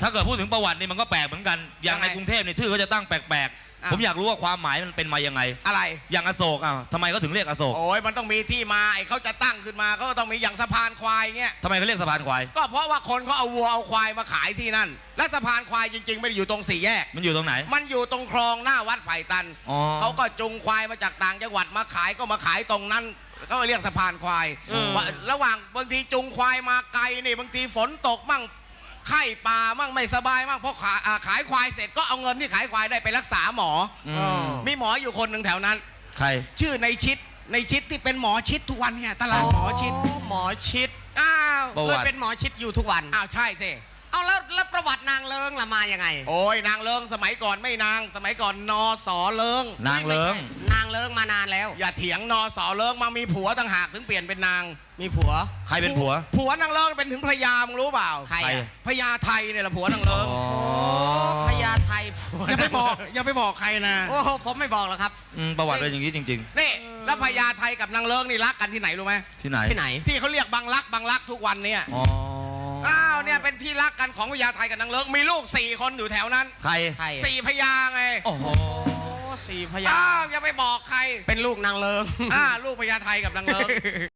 ถ้าเกิดพูดถึงประวัตินี่มันก็แปลกเหมือนกันอย่างในกรุงเทพเนี่ยชื่อเขาจะตั้งแปลกๆผมอยากรู้ว่าความหมายมันเป็นมายังไงอะไรอย่างอโศกทำไมเขาถึงเรียกอโศกโอ้ยมันต้องมีที่มาไอ้เขาจะตั้งขึ้นมาก็ต้องมีอย่างสะพานควายเงี้ยทำไมเขาเรียกสะพานควายก็เพราะว่าคนเขาเอาวัวเอาควายมาขายที่นั่นและสะพานควายจริงๆไม่ได้อยู่ตรงสี่แยกมันอยู่ตรงไหนมันอยู่ตรงคลองหน้าวัดไผ่ตันเขาก็จุงควายมาจากต่างจังหวัดมาขายก็มาขายตรงนั้นก็เรียกสะพานควายระหว่างบางทีจุงควายมาไกลนี่บางทีฝนตกมั่งไข้ป่ามั่งไม่สบายมั่งเพราะขายควายเสร็จก็เอาเงินที่ขายควายได้ไปรักษาหมอมีหมออยู่คนหนึ่งแถวนั้นใครชื่อในชิดที่เป็นหมอชิดทุกวันเนี่ยตลาดหมอชิดหมอชิดอ้าวเคยเป็นหมอชิดอยู่ทุกวันอ้าวใช่สิเอาแล้วประวัตินางเลิงล่ะมายังไงโอ้ยนางเลิงสมัยก่อนไม่นางสมัยก่อนนอสอเลิงนางเลิงนางเลิงมานานแล้วอย่าเถียงนอสอเลิงมามีผัวต่างหากถึงเปลี่ยนเป็นนางมีผัวใครเป็นผัวนางเลิงเป็นถึงพญามึงรู้เปล่าใครพญาไทยเนี่ยแหละผัวนางเลิงพญาไทยอย่าไปบอกใครนะโอ้ผมไม่บอกหรอกครับประวัติเป็นอย่างนี้จริงๆนี่แล้วพญาไทยกับนางเลิงนี่รักกันที่ไหนรู้ไหมที่ไหนที่เขาเรียกบางรักทุกวันเนี่ยอ้าวเนี่ยเป็นที่รักกันของพญาไทยกับนางเลิงมีลูก4 คนอยู่แถวนั้นใคร 4 พญาไงโอ้โห 4 พญาอ้าวอย่าไปบอกใครเป็นลูกนางเลิงลูกพญาไทยกับนางเลิง